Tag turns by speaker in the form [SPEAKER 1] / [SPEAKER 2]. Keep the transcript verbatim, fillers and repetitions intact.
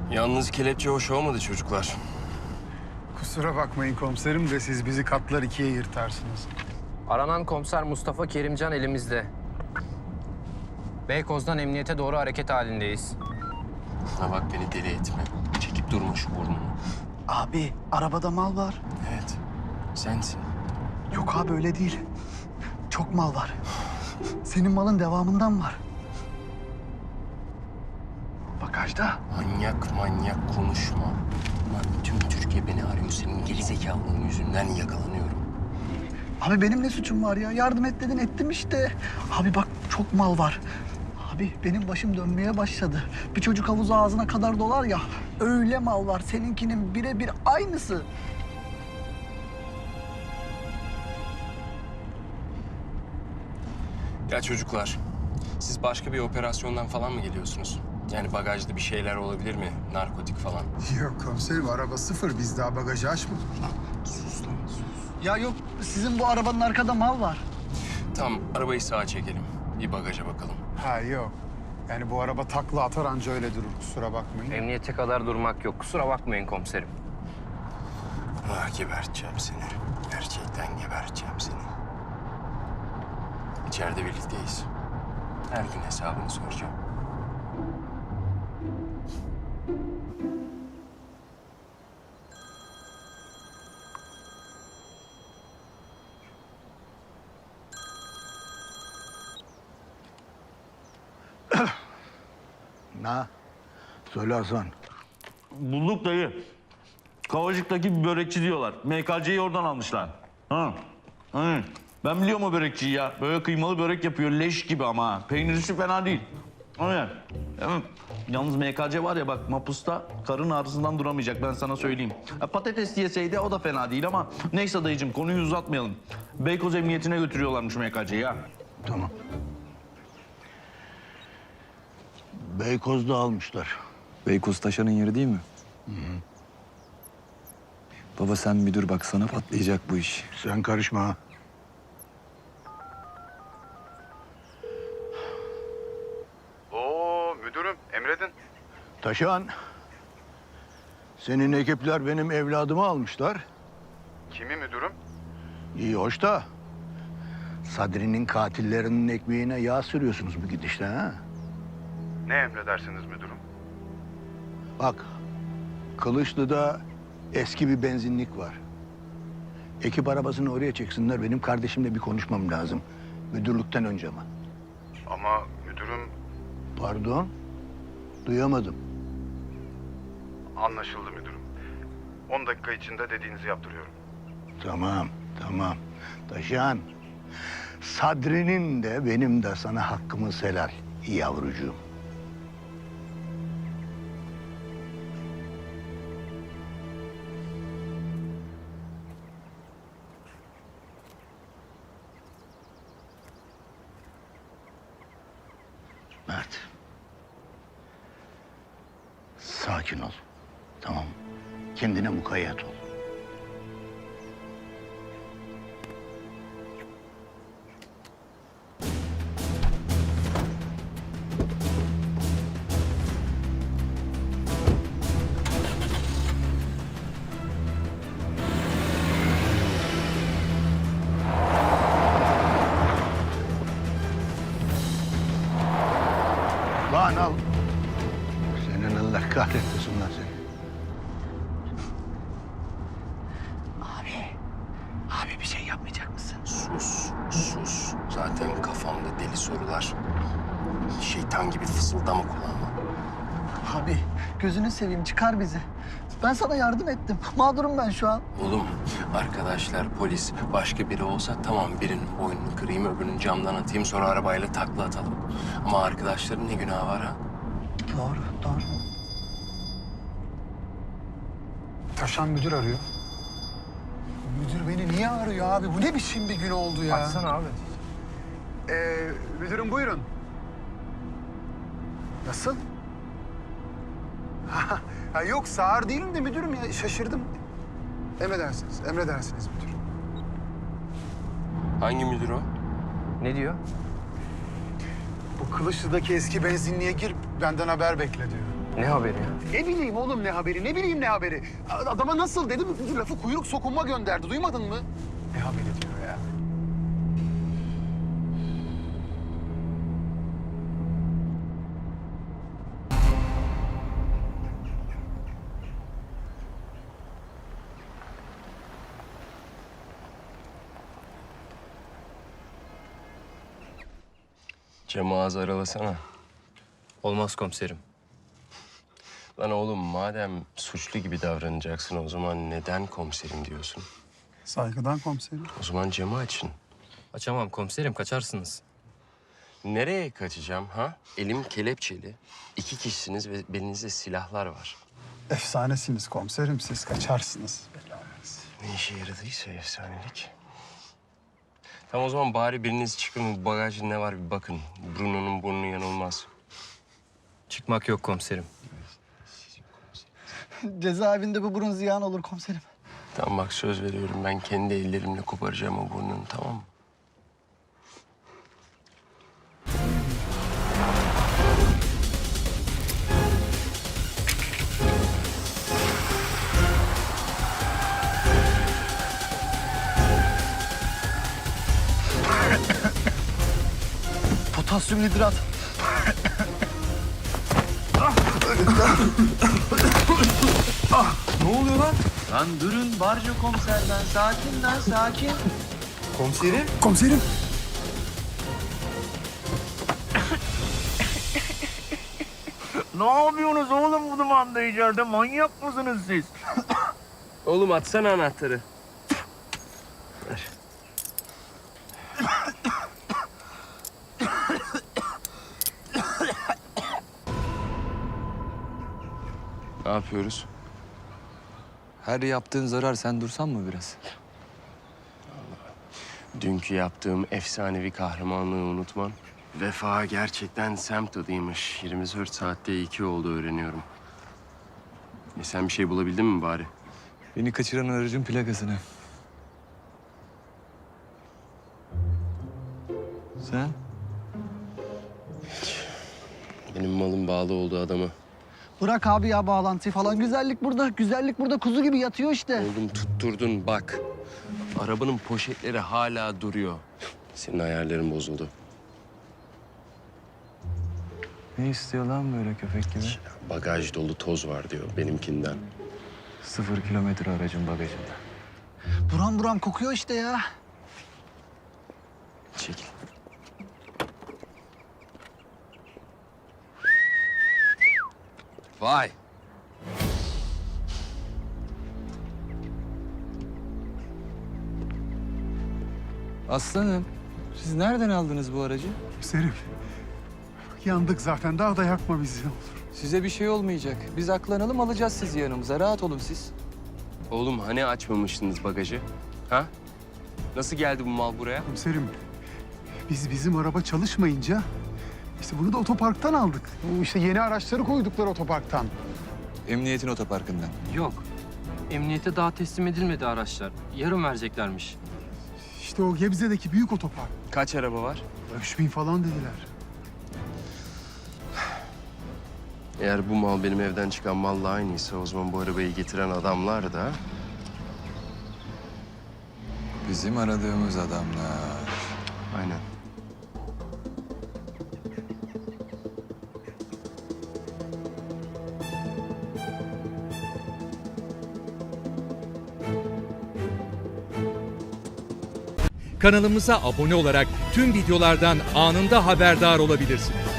[SPEAKER 1] Yalnız kelepçe hoş olmadı çocuklar.
[SPEAKER 2] Kusura bakmayın komiserim de siz bizi katlar ikiye yırtarsınız.
[SPEAKER 3] Aranan komiser Mustafa Kerimcan elimizde. Beykoz'dan emniyete doğru hareket halindeyiz.
[SPEAKER 1] Ha bak beni deli etme. Çekip durma şu burnunu.
[SPEAKER 4] Abi arabada mal var.
[SPEAKER 1] Evet, sensin.
[SPEAKER 4] Yok abi öyle değil. Çok mal var. Senin malın devamından var. Bagajda.
[SPEAKER 1] Manyak manyak konuşma. Lan tüm Türkiye beni arıyor. Senin gerizekalılığın yüzünden yakalanıyorum.
[SPEAKER 4] Abi benim ne suçum var ya? Yardım et dedin ettim işte. Abi bak çok mal var. Abi benim başım dönmeye başladı. Bir çocuk havuzu ağzına kadar dolar ya. Öyle mal var. Seninkinin birebir aynısı.
[SPEAKER 1] Ya çocuklar, siz başka bir operasyondan falan mı geliyorsunuz? Yani bagajda bir şeyler olabilir mi? Narkotik falan.
[SPEAKER 2] Yok komiserim araba sıfır biz daha bagajı açmadık.
[SPEAKER 1] Sus lan sus.
[SPEAKER 4] Ya yok sizin bu arabanın arkada mal var.
[SPEAKER 1] Tamam, arabayı sağa çekelim. Bir bagaja bakalım.
[SPEAKER 2] Ha yok. Yani bu araba takla atar anca öyle durur kusura bakmayın.
[SPEAKER 3] Emniyete kadar durmak yok. Kusura bakmayın komiserim.
[SPEAKER 1] Ah, geberteceğim seni. Gerçekten geberteceğim seni. İçeride birlikteyiz. Her gün hesabını soracağım.
[SPEAKER 5] Na, söyle Hasan.
[SPEAKER 6] Bulduk dayı. Kavacık'taki bir börekçi diyorlar. M K C'yi oradan almışlar. Ha. Hı. Ben biliyorum o börekçiyi ya. Böyle kıymalı börek yapıyor leş gibi ama. ha. Peynirisi fena değil. Aynen. Evet. Yalnız M K C var ya bak mapusta karın ağrısından duramayacak ben sana söyleyeyim. Ha, patates yeseydi o da fena değil ama neyse dayıcığım konuyu uzatmayalım. Beykoz Emniyetine götürüyorlarmış M K C'yi ya.
[SPEAKER 5] Tamam. Beykoz'da almışlar.
[SPEAKER 7] Beykoz Taşan'ın yeri değil mi? Hı hı. Baba sen bir dur bak sana patlayacak bu iş.
[SPEAKER 5] Sen karışma ha.
[SPEAKER 2] Oo müdürüm emredin.
[SPEAKER 5] Taşan, senin ekipler benim evladımı almışlar.
[SPEAKER 2] Kimi müdürüm?
[SPEAKER 5] İyi hoş da Sadri'nin katillerinin ekmeğine yağ sürüyorsunuz bu gidişle ha.
[SPEAKER 2] Ne emredersiniz müdürüm?
[SPEAKER 5] Bak, Kılıçlı'da eski bir benzinlik var. Ekip arabasını oraya çeksinler. Benim kardeşimle bir konuşmam lazım. Müdürlükten önce ama.
[SPEAKER 2] Ama müdürüm
[SPEAKER 5] Pardon, duyamadım.
[SPEAKER 2] anlaşıldı müdürüm. on dakika içinde dediğinizi yaptırıyorum.
[SPEAKER 5] Tamam, tamam. Taşan, Sadri'nin de benim de sana hakkımız helal yavrucuğum. Mert. Sakin ol. Tamam. Kendine mukayyet ol. Lan al. Senin Allah kahretmesin lan seni.
[SPEAKER 4] Abi. Abi bir şey yapmayacak mısın?
[SPEAKER 1] Sus, sus. Zaten kafamda deli sorular. Şeytan gibi fısıldama kulağıma.
[SPEAKER 4] Abi gözünü seveyim çıkar bizi. Ben sana yardım ettim. Mağdurum ben şu an.
[SPEAKER 1] Oğlum, arkadaşlar, polis, başka biri olsa tamam birinin boynunu kırayım, öbürünün camdan atayım, sonra arabayla takla atalım. Ama arkadaşların ne günahı var ha?
[SPEAKER 4] Doğru, doğru.
[SPEAKER 2] Taşan müdür arıyor. Müdür beni niye arıyor abi? Bu ne biçim bir gün oldu ya?
[SPEAKER 3] Açsana abi.
[SPEAKER 2] Ee, müdürüm buyurun. Nasıl? ha, yok sağır değilim de müdürüm ya şaşırdım. Emredersiniz, emredersiniz müdür.
[SPEAKER 1] Hangi müdür o?
[SPEAKER 3] Ne diyor?
[SPEAKER 2] Bu Kılıçlı'daki eski benzinliğe gir benden haber bekle diyor.
[SPEAKER 3] Ne haberi ya?
[SPEAKER 2] Ne bileyim oğlum ne haberi, ne bileyim ne haberi. Adama nasıl dedim, lafı kuyruk sokunma gönderdi. Duymadın mı? Ne haberi diyor ya.
[SPEAKER 1] Camı ağzı aralasana.
[SPEAKER 3] Olmaz komiserim.
[SPEAKER 1] Lan oğlum madem suçlu gibi davranacaksın o zaman neden komiserim diyorsun?
[SPEAKER 2] Saygıdan komiserim.
[SPEAKER 1] O zaman camı açın.
[SPEAKER 3] Açamam komiserim, kaçarsınız.
[SPEAKER 1] Nereye kaçacağım ha? Elim kelepçeli. İki kişisiniz ve belinizde silahlar var.
[SPEAKER 2] Efsanesiniz komiserim, siz kaçarsınız.
[SPEAKER 1] Ne işe yaradıysa efsanelik. Tamam o zaman bari biriniz çıkın bagajda ne var bir bakın. Bruno'nun burnu yanılmaz.
[SPEAKER 3] Çıkmak yok komiserim.
[SPEAKER 4] Cezaevinde bu burun ziyan olur komiserim.
[SPEAKER 1] Tamam bak söz veriyorum ben kendi ellerimle koparacağım o burnunu tamam mı?
[SPEAKER 4] Potasyum hidrat.
[SPEAKER 7] Lan durun barca komiserden. Sakin lan sakin. Komiserim.
[SPEAKER 2] Komiserim.
[SPEAKER 6] Ne yapıyorsunuz oğlum bu dumanda içeride? Manyak mısınız siz?
[SPEAKER 1] Oğlum atsana anahtarı. Ver. Ne yapıyoruz?
[SPEAKER 7] Her yaptığın zarar, sen dursan mı biraz?
[SPEAKER 1] Dünkü yaptığım efsanevi kahramanlığı unutmam. Vefa gerçekten semt adıymış. yirmi dört saatte iki oldu öğreniyorum. E sen bir şey bulabildin mi bari?
[SPEAKER 7] Beni kaçıran aracın plakasını. Sen?
[SPEAKER 1] Benim malım bağlı olduğu adamı.
[SPEAKER 4] Bırak abi ya bağlantıyı falan. Güzellik burada, güzellik burada kuzu gibi yatıyor işte.
[SPEAKER 1] Oğlum tutturdun bak. Arabanın poşetleri hala duruyor. Senin ayarların bozuldu.
[SPEAKER 7] Ne istiyor lan böyle köpek gibi?
[SPEAKER 1] Bagaj dolu toz var diyor benimkinden.
[SPEAKER 7] Sıfır kilometre aracın bagajında.
[SPEAKER 4] Buram buram kokuyor işte ya.
[SPEAKER 1] Çekil. Vay.
[SPEAKER 7] Aslanım, siz nereden aldınız bu aracı?
[SPEAKER 2] Komiserim. Yandık zaten, daha da yakma bizi ne olur.
[SPEAKER 7] Size bir şey olmayacak. Biz aklanalım, alacağız sizi yanımıza. Rahat olun siz.
[SPEAKER 1] Oğlum hani açmamıştınız bagajı? Ha? Nasıl geldi bu mal buraya?
[SPEAKER 2] Komiserim, biz bizim araba çalışmayınca işte bunu da otoparktan aldık. Bu işte yeni araçları koydukları otoparktan.
[SPEAKER 7] Emniyetin otoparkından.
[SPEAKER 3] Yok. Emniyete daha teslim edilmedi araçlar. Yarın vereceklermiş.
[SPEAKER 2] İşte o Gebze'deki büyük otopark.
[SPEAKER 1] Kaç araba var?
[SPEAKER 2] Üç bin falan dediler.
[SPEAKER 1] Eğer bu mal benim evden çıkan malla aynıysa o zaman bu arabayı getiren adamlar da...
[SPEAKER 7] Bizim aradığımız adamlar.
[SPEAKER 1] Aynen.
[SPEAKER 8] Kanalımıza abone olarak tüm videolardan anında haberdar olabilirsiniz.